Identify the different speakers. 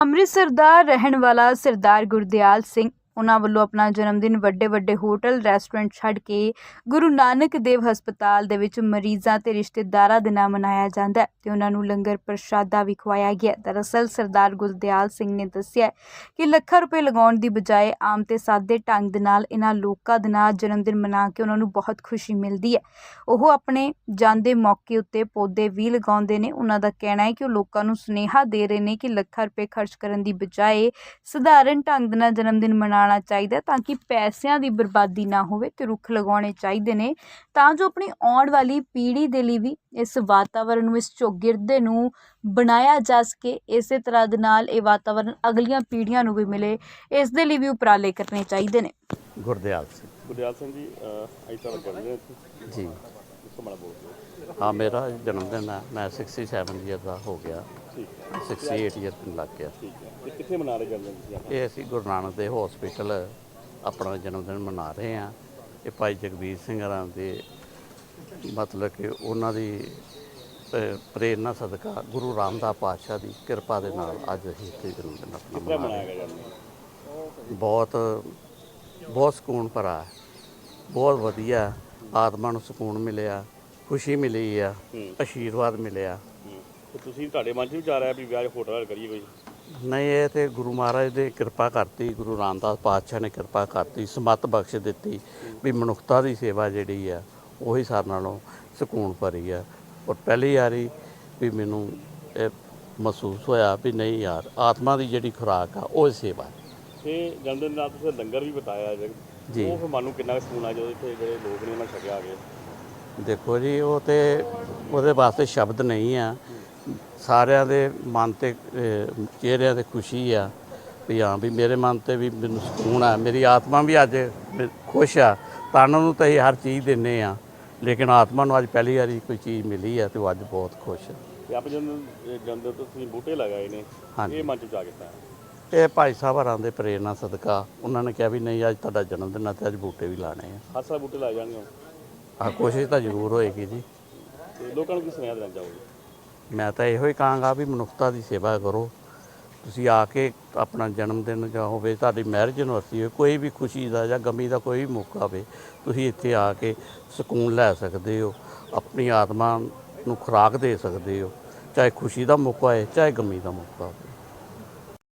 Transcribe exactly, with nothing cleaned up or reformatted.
Speaker 1: ਅੰਮ੍ਰਿਤਸਰ ਦਾ ਰਹਿਣ ਵਾਲਾ ਸਰਦਾਰ ਗੁਰਦਿਆਲ ਸਿੰਘ ਉਹਨਾਂ ਵੱਲੋਂ ਆਪਣਾ ਜਨਮ ਦਿਨ ਵੱਡੇ ਵੱਡੇ ਹੋਟਲ ਰੈਸਟੋਰੈਂਟ ਛੱਡ ਕੇ ਗੁਰੂ ਨਾਨਕ ਦੇਵ ਹਸਪਤਾਲ ਦੇ ਵਿੱਚ ਮਰੀਜ਼ਾਂ ਤੇ ਰਿਸ਼ਤੇਦਾਰਾਂ ਦੇ ਨਾਲ ਮਨਾਇਆ ਜਾਂਦਾ ਹੈ ਤੇ ਉਹਨਾਂ ਨੂੰ ਲੰਗਰ ਪ੍ਰਸ਼ਾਦਾ ਵੀ ਖਵਾਇਆ ਗਿਆ। ਦਰਅਸਲ ਸਰਦਾਰ ਗੁਰਦਿਆਲ ਸਿੰਘ ਨੇ ਦੱਸਿਆ ਕਿ ਲੱਖਾਂ ਰੁਪਏ ਲਗਾਉਣ ਦੀ ਬਜਾਏ ਆਮ ਤੇ ਸਾਦੇ ਢੰਗ ਦੇ ਨਾਲ ਇਹਨਾਂ ਲੋਕਾਂ ਦੇ ਨਾਲ ਜਨਮ ਦਿਨ ਮਨਾ ਕੇ ਉਹਨਾਂ ਨੂੰ ਬਹੁਤ ਖੁਸ਼ੀ ਮਿਲਦੀ ਹੈ। ਉਹ ਆਪਣੇ ਜਾਂਦੇ ਮੌਕੇ ਉੱਤੇ ਪੌਦੇ ਵੀ ਲਗਾਉਂਦੇ ਨੇ। ਉਹਨਾਂ ਦਾ ਕਹਿਣਾ ਹੈ ਕਿ ਉਹ ਲੋਕਾਂ ਨੂੰ ਸੁਨੇਹਾ ਦੇ ਰਹੇ ਨੇ ਕਿ ਲੱਖਾਂ ਰੁਪਏ ਖਰਚ ਕਰਨ ਦੀ ਬਜਾਏ ਸਧਾਰਨ ਢੰਗ ਦੇ ਨਾਲ ਜਨਮ ਦਿਨ ਮਨਾਉਣਾ ਚਾਹੀਦਾ ਤਾਂ ਕਿ ਪੈਸਿਆਂ ਦੀ ਬਰਬਾਦੀ ਨਾ ਹੋਵੇ ਤੇ ਰੁੱਖ ਲਗਾਉਣੇ ਚਾਹੀਦੇ ਨੇ ਤਾਂ ਜੋ ਆਪਣੀ ਆਉਣ ਵਾਲੀ ਪੀੜ੍ਹੀ ਦੇ ਲਈ ਵੀ ਇਸ ਵਾਤਾਵਰਨ ਨੂੰ, ਇਸ ਚੌਗਿਰਦੇ ਨੂੰ ਬਣਾਇਆ ਜਾ ਸਕੇ। ਇਸੇ ਤਰ੍ਹਾਂ ਦੇ ਨਾਲ ਇਹ ਵਾਤਾਵਰਨ ਅਗਲੀਆਂ ਪੀੜ੍ਹੀਆਂ ਨੂੰ ਵੀ ਮਿਲੇ, ਇਸ ਦੇ ਲਈ ਵੀ ਉਪਰਾਲੇ ਕਰਨੇ ਚਾਹੀਦੇ ਨੇ।
Speaker 2: ਗੁਰਦਿਆਲ ਸਿੰਘ
Speaker 3: ਗੁਰਦਿਆਲ ਸਿੰਘ ਜੀ ਅੱਜ ਤਾਂ ਕਰਦੇ
Speaker 2: ਜੀ
Speaker 3: ਮਾੜਾ ਬੋਲ
Speaker 2: ਹਾਂ, ਮੇਰਾ ਜਨਮ ਦਿਨ ਹੈ। ਮੈਂ ਸੜਸਠ ਈਅਰ ਦਾ ਹੋ ਗਿਆ।
Speaker 3: ਠੀਕ ਹੈ,
Speaker 2: ਅਠਾਸੀ ਈਅਰ ਨੂੰ ਲੱਗ ਗਿਆ।
Speaker 3: ਠੀਕ ਹੈ। ਇਹ ਕਿੱਥੇ ਮਨਾ ਰਹੇ ਜਨਮ ਦਿਨ ਤੁਸੀਂ ਆਪਣਾ?
Speaker 2: ਇਹ ਅਸੀਂ ਗੁਰੂ ਨਾਨਕ ਦੇ ਹਸਪੀਟਲ ਆਪਣਾ ਜਨਮ ਦਿਨ ਮਨਾ ਰਹੇ ਹਾਂ। ਇਹ ਭਾਈ ਜਗਬੀਰ ਸਿੰਘ ਹਰਾਂ ਦੇ ਮਤਲਬ ਕਿ ਉਹਨਾਂ ਦੀ ਅ, ਪ੍ਰੇਰਨਾ ਸਦਕਾ ਗੁਰੂ ਰਾਮਦਾਸ ਪਾਤਸ਼ਾਹ ਦੀ ਕਿਰਪਾ ਦੇ ਨਾਲ ਅੱਜ ਅਸੀਂ ਇੱਥੇ ਜਨਮ ਦਿਨ ਆਪਣਾ
Speaker 3: ਕਿੱਦਾਂ
Speaker 2: ਮਨਾ
Speaker 3: ਮਨਾਇਆ
Speaker 2: ਰਹੇ
Speaker 3: ਗਿਆ ਜਨਮ ਦਿਨ?
Speaker 2: ਬਹੁਤ ਬਹੁਤ ਸਕੂਨ ਭਰਾ ਹੈ, ਬਹੁਤ ਵਧੀਆ। ਆਤਮਾ ਨੂੰ ਸਕੂਨ ਮਿਲਿਆ, ਖੁਸ਼ੀ ਮਿਲੀ ਆ, ਆਸ਼ੀਰਵਾਦ ਮਿਲਿਆ।
Speaker 3: ਤੇ ਤੁਸੀਂ ਤੁਹਾਡੇ ਮਨ 'ਚ ਵਿਚਾਰ ਆਇਆ ਵੀ ਵਿਆਹ ਹੋਟਲ ਕਰੀਏ ਕੋਈ?
Speaker 2: ਨਹੀਂ, ਇਹ ਤੇ ਗੁਰੂ ਮਹਾਰਾਜ ਨੇ ਕਿਰਪਾ ਕਰਤੀ, ਗੁਰੂ ਰਾਮਦਾਸ ਪਾਤਸ਼ਾਹ ਨੇ ਕਿਰਪਾ ਕਰਤੀ, ਸਮੱਤ ਬਖਸ਼ ਦਿੱਤੀ ਵੀ ਮਨੁੱਖਤਾ ਦੀ ਸੇਵਾ ਜਿਹੜੀ ਆ ਉਹੀ ਸਾਰਿਆਂ ਨਾਲੋਂ ਸਕੂਨ ਭਰੀ ਆ। ਔਰ ਪਹਿਲੀ ਵਾਰੀ ਵੀ ਮੈਨੂੰ ਇਹ ਮਹਿਸੂਸ ਹੋਇਆ ਵੀ ਨਹੀਂ ਯਾਰ, ਆਤਮਾ ਦੀ ਜਿਹੜੀ ਖੁਰਾਕ ਆ ਉਹ ਸੇਵਾ।
Speaker 3: ਤੇ ਜਨਮ ਦਿਨ ਨਾਲ ਤੁਸੀਂ ਲੰਗਰ ਵੀ ਬਤਾਇਆ
Speaker 2: ਜੀ।
Speaker 3: ਉਹ ਫਿਰ ਮਨ ਨੂੰ ਕਿੰਨਾ ਸਕੂਨ ਆ ਜਦੋਂ ਇੱਥੇ ਜਿਹੜੇ ਲੋਕ ਨੇ ਉਹਨਾਂ ਛਕਿਆ ਆ ਗਏ?
Speaker 2: ਦੇਖੋ ਜੀ, ਉਹ ਤੇ ਉਹਦੇ ਵਾਸਤੇ ਸ਼ਬਦ ਨਹੀਂ ਆ। ਸਾਰਿਆਂ ਦੇ ਮਨ 'ਤੇ ਚਿਹਰਿਆਂ 'ਤੇ ਖੁਸ਼ੀ ਆ ਵੀ ਹਾਂ ਵੀ ਮੇਰੇ ਮਨ 'ਤੇ ਵੀ ਮੈਨੂੰ ਸਕੂਨ ਆ, ਮੇਰੀ ਆਤਮਾ ਵੀ ਅੱਜ ਖੁਸ਼ ਆ। ਤਨ ਨੂੰ ਤਾਂ ਅਸੀਂ ਹਰ ਚੀਜ਼ ਦਿੰਦੇ ਆ, ਲੇਕਿਨ ਆਤਮਾ ਨੂੰ ਅੱਜ ਪਹਿਲੀ ਵਾਰੀ ਕੋਈ ਚੀਜ਼ ਮਿਲੀ ਆ ਤੇ ਉਹ ਅੱਜ ਬਹੁਤ ਖੁਸ਼ ਆ।
Speaker 3: ਤੇ ਆਪ ਜਦੋਂ ਜਨਮ ਦਿਨ ਤੋਂ ਤੁਸੀਂ ਬੂਟੇ ਲਗਾਏ ਨੇ, ਇਹ ਮਨ 'ਚ ਵਿਚਾਰ ਕੀਤਾ?
Speaker 2: ਇਹ ਭਾਈ ਸਾਹਿਬ ਹਰਾਂ ਦੇ ਪ੍ਰੇਰਨਾ ਸਦਕਾ ਉਹਨਾਂ ਨੇ ਕਿਹਾ ਵੀ ਨਹੀਂ, ਅੱਜ ਤੁਹਾਡਾ ਜਨਮ ਦਿਨ ਆ ਤੇ ਅੱਜ ਬੂਟੇ ਵੀ ਲਾਣੇ ਆ।
Speaker 3: ਹਰ ਸਾਲ ਬੂਟੇ ਲਾਏ ਜਾਣਗੇ?
Speaker 2: ਆਹ ਕੋਸ਼ਿਸ਼ ਤਾਂ ਜ਼ਰੂਰ ਹੋਏਗੀ ਜੀ।
Speaker 3: ਤੇ ਲੋਕਾਂ ਨੂੰ ਕੀ ਸੁਨੇਹਾ ਦੇਣਾ ਚਾਹੋਗੇ?
Speaker 2: ਮੈਂ ਤਾਂ ਇਹੋ ਹੀ ਕਹਾਂਗਾ ਵੀ ਮਨੁੱਖਤਾ ਦੀ ਸੇਵਾ ਕਰੋ। ਤੁਸੀਂ ਆ ਕੇ ਆਪਣਾ ਜਨਮ ਦਿਨ ਜਾਂ ਹੋਵੇ, ਤੁਹਾਡੀ ਮੈਰਿਜ ਐਨਵਰਸਰੀ ਹੋਵੇ, ਕੋਈ ਵੀ ਖੁਸ਼ੀ ਦਾ ਜਾਂ ਗਮੀ ਦਾ ਕੋਈ ਵੀ ਮੌਕਾ ਹੋਵੇ, ਤੁਸੀਂ ਇੱਥੇ ਆ ਕੇ ਸਕੂਨ ਲੈ ਸਕਦੇ ਹੋ, ਆਪਣੀ ਆਤਮਾ ਨੂੰ ਖੁਰਾਕ ਦੇ ਸਕਦੇ ਹੋ। ਚਾਹੇ ਖੁਸ਼ੀ ਦਾ ਮੌਕਾ ਹੈ, ਚਾਹੇ ਗਮੀ ਦਾ ਮੌਕਾ ਹੋਵੇ।